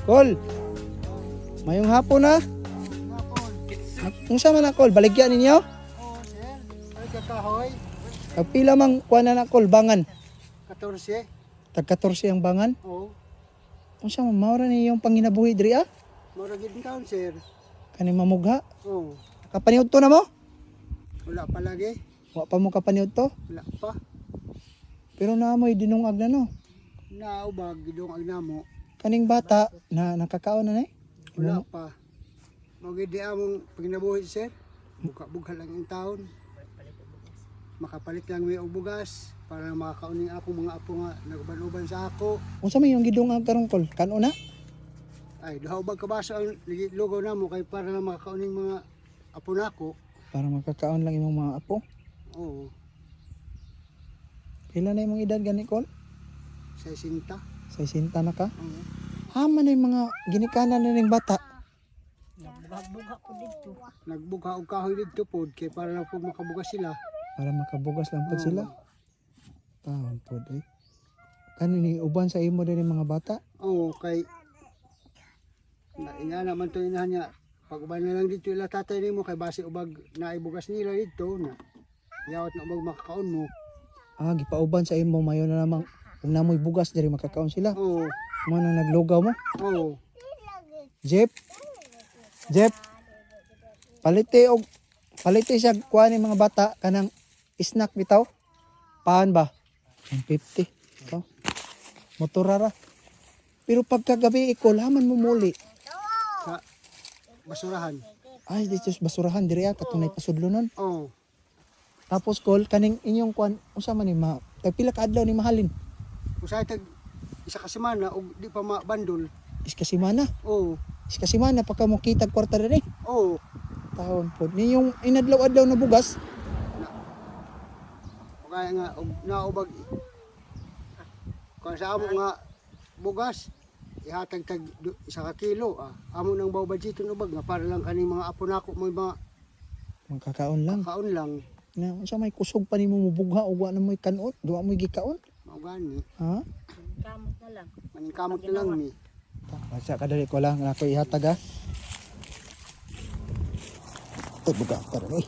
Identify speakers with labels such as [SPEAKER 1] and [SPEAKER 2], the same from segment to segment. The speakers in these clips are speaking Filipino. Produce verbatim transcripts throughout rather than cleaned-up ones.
[SPEAKER 1] Kol. Mayong hapon na. Kung sama na Kol, baligyan ninyo?
[SPEAKER 2] Oo, sir. Ay, kakahoy.
[SPEAKER 1] Pila mang kuha na na Kol, bangan.
[SPEAKER 2] katorse.
[SPEAKER 1] Tag katorse ang bangan.
[SPEAKER 2] Oo.
[SPEAKER 1] Kung sama, maura ni yung panginabuhi diri ah.
[SPEAKER 2] Maragid taon, sir.
[SPEAKER 1] Kani mamugha.
[SPEAKER 2] Oo.
[SPEAKER 1] Kapaniud to na mo?
[SPEAKER 2] Wala pa lagi.
[SPEAKER 1] Wa pa mo kapaniud to.
[SPEAKER 2] Wala pa.
[SPEAKER 1] Pero naamoy dinungag na no.
[SPEAKER 2] Naubag, gidong ang namo.
[SPEAKER 1] Kaning bata na nakakaon na ni.
[SPEAKER 2] Wala pa. Magid di among paginabuhi, sir. Buka-bugha lang yung taon. Makapalit lang may og bugas para makakauning ako mga apo nga nagban-uban sa ako.
[SPEAKER 1] Unsa may yung gidungag karong Kol? Kano na?
[SPEAKER 2] Ay, duha bag kabaso ang lugaw namo kay para lang makakauning mga apo nako.
[SPEAKER 1] Para makakaon lang imong mga apo.
[SPEAKER 2] Oo.
[SPEAKER 1] Pila na imong edad gani Kol?
[SPEAKER 2] Sa sinta.
[SPEAKER 1] Sa isinta na ka?
[SPEAKER 2] Oo.
[SPEAKER 1] Hama na yung mga ginikanan na ning bata.
[SPEAKER 3] Nagbuga ko dito.
[SPEAKER 2] Nagbugha og kahoy didto pod kay para lang po makabugas sila.
[SPEAKER 1] Para makabugas lang po
[SPEAKER 2] Oo.
[SPEAKER 1] sila. Taon po eh. Kanini uban sa imo din yung mga bata.
[SPEAKER 2] Oo, kay na ina naman to inahan niya. Pag uban na lang dito ila tatay nimo kay base ubag naibugas nila dito na. Yawat na ubag makakaon mo.
[SPEAKER 1] Ah, gipauban sa imo mayo na namang kung namoy bugas diri makakaon sila.
[SPEAKER 2] Oo.
[SPEAKER 1] Mo na naglugaw mo.
[SPEAKER 2] Oo.
[SPEAKER 1] Jeep. Jeep. Palite og palite siya kuha ni mga bata kanang snack bitaw. Paan ba? one fifty. Ito. Motorara. Pero pagkagabi ikol haman mo muli.
[SPEAKER 2] Sa basurahan.
[SPEAKER 1] Ay, dito sa basurahan diri ah katunay pasudlo nun.
[SPEAKER 2] Oo.
[SPEAKER 1] Tapos kol kaning inyong kuan unsa man ni ma pila ka adlaw ni mahalin?
[SPEAKER 2] Usay tag isa ka semana og di pa mabandol.
[SPEAKER 1] Iska semana.
[SPEAKER 2] Oo.
[SPEAKER 1] Iska semana pa ka mo kitag kwarta diri.
[SPEAKER 2] Oo.
[SPEAKER 1] Taon po. Ni yung inadlaw-adlaw na bugas.
[SPEAKER 2] O kaya nga og naubag kung sa amo nga bugas ihatag tag du- isa ka kilo ah. Amo nang baw budget ubag nga para lang kaning mga apo nako may mga
[SPEAKER 1] Magkakaon lang.
[SPEAKER 2] kaon lang.
[SPEAKER 1] Na unsa may kusog pa nimo mubugha ug wa na mo'y kanon, duwa mo'y gikaon.
[SPEAKER 2] Mao gani.
[SPEAKER 1] Ha?
[SPEAKER 3] Kamot na lang.
[SPEAKER 2] Maningkamot na lang ni.
[SPEAKER 1] Basta kadali ko lang ako ihatag ha. Ay buga tara ni.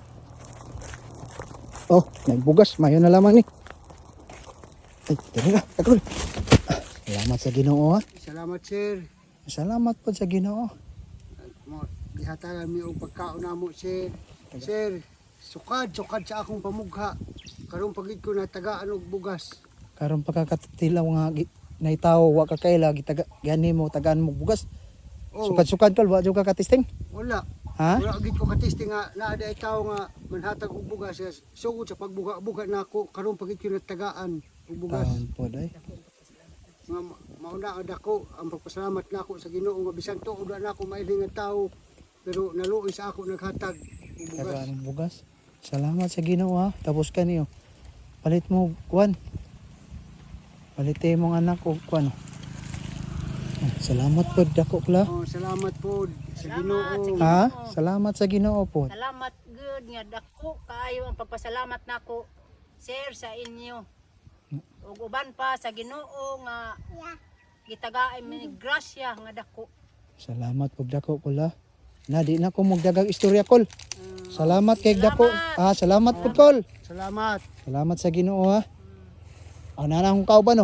[SPEAKER 1] Oh, may bugas, mayo na lamang ni. Ay, dali na, takol. Salamat sa Ginoo ha.
[SPEAKER 2] Salamat sir.
[SPEAKER 1] Salamat po sa Ginoo.
[SPEAKER 2] Mo gihatagan mi og pagkaon namo sir. Sir, sukad sukad sa akong pamugha. Karon pagid ko natagaan og bugas.
[SPEAKER 1] Karon pagkakatilaw nga gi- naitaw wa ka kaila gitaga gani mo tagaan mo bugas.
[SPEAKER 2] Oh,
[SPEAKER 1] Sukad-sukad kol wa jud ka katisting.
[SPEAKER 2] wala.
[SPEAKER 1] Ha?
[SPEAKER 2] Wala gid ko katesti nga naa day tawo nga manhatag og bugas siya. Sugod sa pagbuga-buga nako karon pagid ko natagaan og bugas.
[SPEAKER 1] Taon po day.
[SPEAKER 2] Nga ma- mauna ad ako ang pagpasalamat nako sa Ginoo nga bisan tuod na ako maili nga tawo pero naluoy sa ako naghatag og bugas.
[SPEAKER 1] Tagaan ng bugas. Salamat sa Ginoo ha. Tapos kaniyo. Palit mo kuan. Palite mong anak og kuan. Ah, Salamat po dako kla.
[SPEAKER 2] Oh, salamat po sa Ginoo.
[SPEAKER 1] Ha? Salamat sa Ginoo po.
[SPEAKER 3] Salamat good nga dako kaayo ang pagpasalamat nako sir sa inyo. Ug uban pa sa Ginoo nga gitagaay mi grasya nga dako.
[SPEAKER 1] Salamat po dako kula. Na di na ko magdagang istorya kol. Salamat kay dako. Ah, salamat po kol.
[SPEAKER 2] Salamat.
[SPEAKER 1] Salamat sa Ginoo ha. Oh, nana akong kauban no.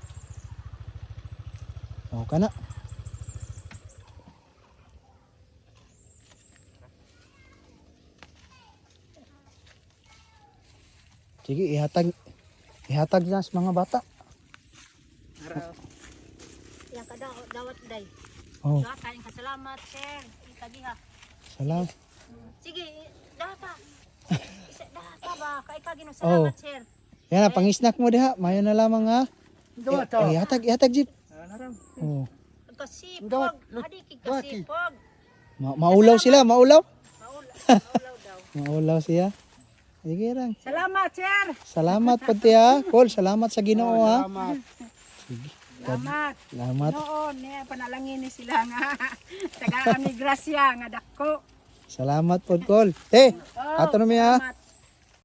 [SPEAKER 1] Oh, kana. Sige, ihatag ihatag na sa mga bata.
[SPEAKER 3] Araw. Yang kada dawat day.
[SPEAKER 1] Oh,
[SPEAKER 3] Sa kaning kasalamat sir. Itagiha.
[SPEAKER 1] salam.
[SPEAKER 3] Sige, data. Isa data ba kay ka Ginoo salamat sir.
[SPEAKER 1] Yan na, pang-snack mo diha. Mayo na lamang ha.
[SPEAKER 2] Dawa
[SPEAKER 1] Eh, eh, ihatag, ihatag jeep. Oh.
[SPEAKER 3] Kasipag,
[SPEAKER 2] Dawat,
[SPEAKER 3] adi kay
[SPEAKER 2] dawati.
[SPEAKER 3] kasipag.
[SPEAKER 1] Ma maulaw sila, maulaw.
[SPEAKER 3] Maula, maulaw daw.
[SPEAKER 1] Maulaw siya. Sige lang.
[SPEAKER 3] Salamat sir.
[SPEAKER 1] Salamat po tiya. Col, salamat sa Ginoo ha.
[SPEAKER 2] Salamat.
[SPEAKER 3] Salamat.
[SPEAKER 1] Salamat.
[SPEAKER 3] Noon, eh, panalangin ni sila nga. Tagaan ni Gracia nga dako.
[SPEAKER 1] Salamat po, Col. Te,
[SPEAKER 3] Oh,
[SPEAKER 1] ato na mi ha.
[SPEAKER 3] salamat.